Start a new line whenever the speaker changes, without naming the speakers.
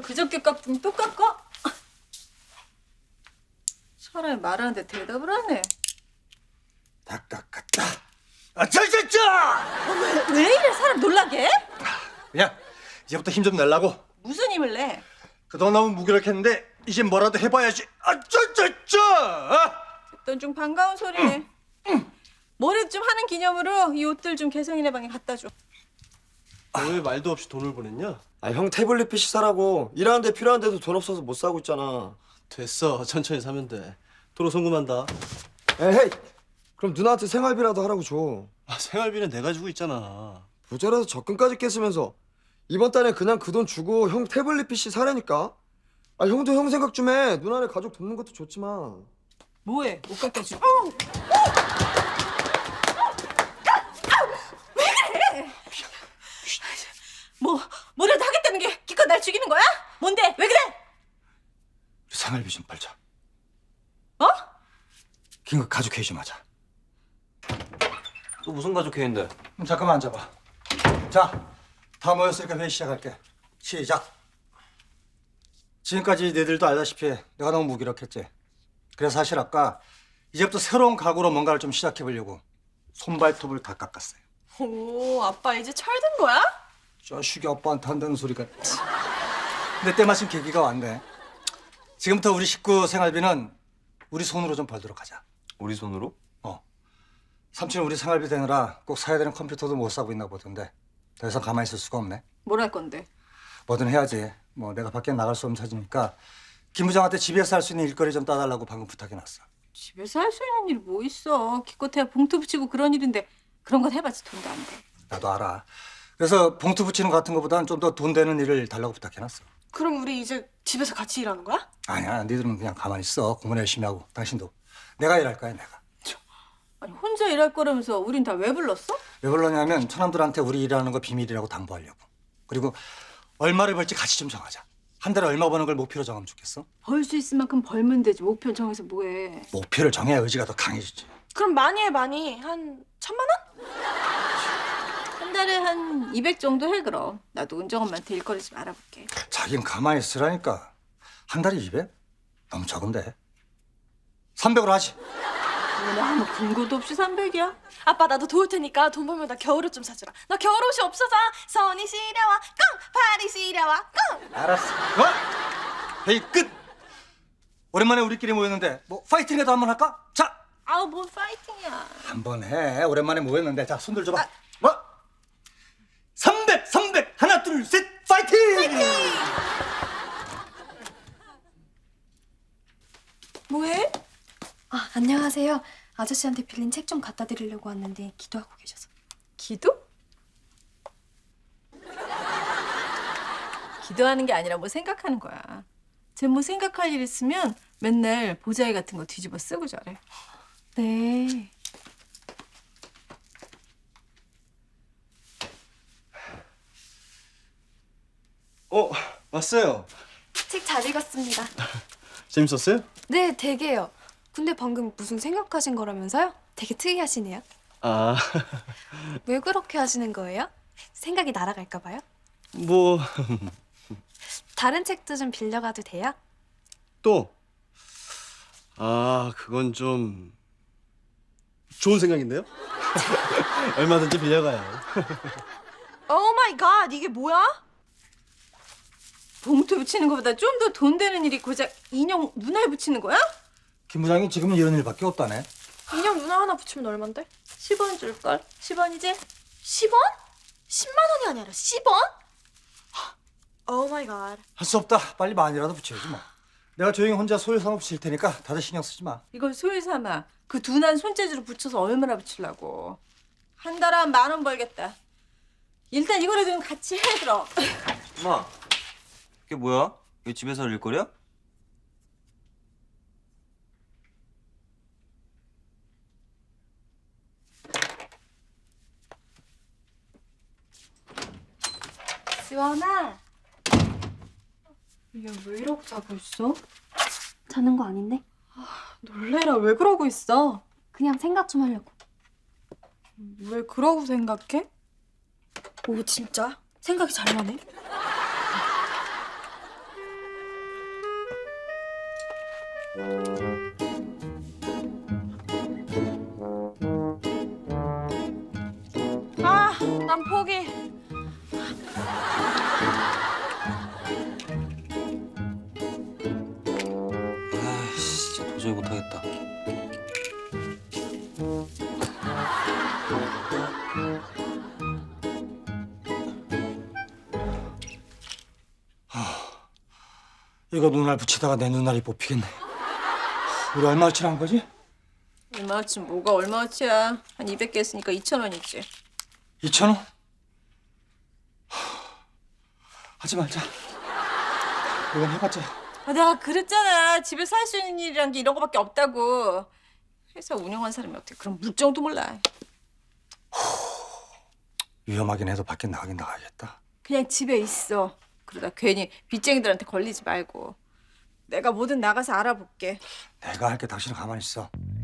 그저께 깎더니 또 깎아? 사람이 말하는데 대답을 하네.
다 깎았다. 아차차차!
왜 이래 사람 놀라게 해?
그냥 이제부터 힘 좀 내려고.
무슨 힘을 내?
그동안 너무 무기력했는데 이제 뭐라도 해봐야지. 아차차차!
듣던 중 반가운 소리네. 뭐라도 좀 하는 기념으로 이 옷들 좀 개성이네 방에 갖다 줘.
왜 말도 없이 돈을 보냈냐?
아, 형 태블릿 PC 사라고. 일하는데 필요한데도 돈 없어서 못 사고 있잖아.
됐어, 천천히 사면 돼. 도로 송금한다.
에헤이, 그럼 누나한테 생활비라도 하라고 줘.
아, 생활비는 내가 주고 있잖아.
모자라서 적금까지 깼으면서 이번 달에 그냥 그 돈 주고 형 태블릿 PC 사라니까. 아, 형도 형 생각 좀 해. 누나네 가족 돕는 것도 좋지만.
뭐해? 옷 갖다 줘. 뭐라도 하겠다는 게 기껏 날 죽이는 거야? 뭔데? 왜 그래?
우리 생활비 좀 벌자.
어?
긴급 가족 회의 좀 하자.
또 무슨 가족 회의인데?
잠깐만 앉아봐. 자, 다 모였으니까 회의 시작할게. 시작. 지금까지 너희들도 알다시피 내가 너무 무기력했지. 그래서 사실 아까 이제부터 새로운 각오로 뭔가를 좀 시작해보려고 손발톱을 다 깎았어요.
오, 아빠 이제 철든 거야?
자식이 아빠한테 한다는 소리가. 근데 때마침 계기가 왔네. 지금부터 우리 식구 생활비는 우리 손으로 좀 벌도록 하자.
우리 손으로?
삼촌 우리 생활비 되느라 꼭 사야 되는 컴퓨터도 못 사고 있나 보던데 더 이상 가만히 있을 수가 없네.
뭘 할 건데?
뭐든 해야지. 뭐 내가 밖에 나갈 수 없는 사지니까 김 부장한테 집에서 할 수 있는 일거리 좀 따달라고 방금 부탁해놨어.
집에서 할 수 있는 일이 뭐 있어? 기껏해야 봉투 붙이고 그런 일인데 그런 건 해봤자 돈도 안 돼.
나도 알아. 그래서 봉투 붙이는 거 같은 거보다는 좀 더 돈 되는 일을 달라고 부탁해놨어.
그럼 우리 이제 집에서 같이 일하는 거야?
아니야, 니들은 그냥 가만히 있어. 공부 열심히 하고. 당신도. 내가 일할 거야, 내가.
아니 혼자 일할 거라면서 우린 다 왜 불렀어?
왜 그러냐면 처남들한테 우리 일하는 거 비밀이라고 당부하려고. 그리고 얼마를 벌지 같이 좀 정하자. 한 달에 얼마 버는 걸 목표로 정하면 좋겠어?
벌 수 있을 만큼 벌면 되지. 목표 정해서 뭐해?
목표를 정해야 의지가 더 강해지지.
그럼 많이 해 많이. 한 1,000만 원?
한 달에 한 200 정도 해 그럼. 나도 은정 엄마한테 일거리 좀 알아볼게.
자긴 가만히 있으라니까. 한 달에 200? 너무 적은데. 300으로 하지.
뭐 아무 근거도 없이 300이야?
아빠 나도 도울 테니까 돈 벌면 나 겨울옷 좀 사주라. 나 겨울옷이 없어서 손이 시려워 꽁 팔이 시려워 꽁.
알았어. 회의 끝. 오랜만에 우리끼리 모였는데 뭐 파이팅이라도 한번 할까? 자,
아우 뭐 파이팅이야.
한번 해. 오랜만에 모였는데 자, 손 들줘봐. 뭐? 300, 300. 하나, 둘, 셋. 파이팅!
뭐해?
아, 안녕하세요. 아저씨한테 빌린 책 좀 갖다 드리려고 왔는데 기도하고 계셔서.
기도? 기도하는 게 아니라 뭐 생각하는 거야. 쟤 뭐 생각할 일 있으면 맨날 보자기 같은 거 뒤집어 쓰고 저래.
네.
왔어요.
책 잘 읽었습니다.
재밌었어요?
네, 되게요. 근데 방금 무슨 생각하신 거라면서요? 되게 특이하시네요.
아,
왜 그렇게 하시는 거예요? 생각이 날아갈까 봐요?
뭐,
다른 책도 좀 빌려가도 돼요?
또. 아, 그건 좀 좋은 생각인데요? 얼마든지 빌려가요.
오 마이 갓 이게 뭐야?
봉투 붙이는 것보다 좀 더 돈 되는 일이 고작 인형 눈알 붙이는 거야?
김 부장이 지금은 이런 일밖에 없다네.
인형 누나 하나 붙이면 얼만데?
10원 줄걸? 10원이지?
10원? 10만 원이 아니라 10원? 오 마이 갓.
할 수 없다. 빨리 만이라도 붙여야지 뭐. 내가 조용히 혼자 소유상업 붙일 테니까 다들 신경 쓰지 마.
이걸 소위 삼아. 그 둔한 손재주로 붙여서 얼마나 붙이려고. 한 달에 한 10,000원 벌겠다. 일단 이거라도 좀 같이 해 그럼.
엄마, 그게 뭐야? 이게 집에서 할 일거리야?
지원아.
얘 왜 이러고 자고 있어?
자는 거 아닌데?
놀래라. 왜 그러고 있어?
그냥 생각 좀 하려고.
왜 그러고 생각해?
오 진짜? 생각이 잘 나네. 아, 난 포기.
아이씨, 진짜 도저히 못하겠다.
이거 눈알 붙이다가 내 눈알이 뽑히겠네. 우리 얼마어치 한 거지?
얼마어치 뭐가 얼마어치야. 한 200개 했으니까 2,000원이지.
2,000원? 하지 말자. 이건 해봤자.
아, 내가 그랬잖아. 집에서 할 수 있는 일이란 게 이런 거밖에 없다고. 회사 운영한 사람이 어떻게 그런 물정도 몰라.
위험하긴 해도 밖에 나가긴 나가야겠다.
그냥 집에 있어. 그러다 괜히 빚쟁이들한테 걸리지 말고. 내가 뭐든 나가서 알아볼게.
내가 할게 당신은 가만히 있어.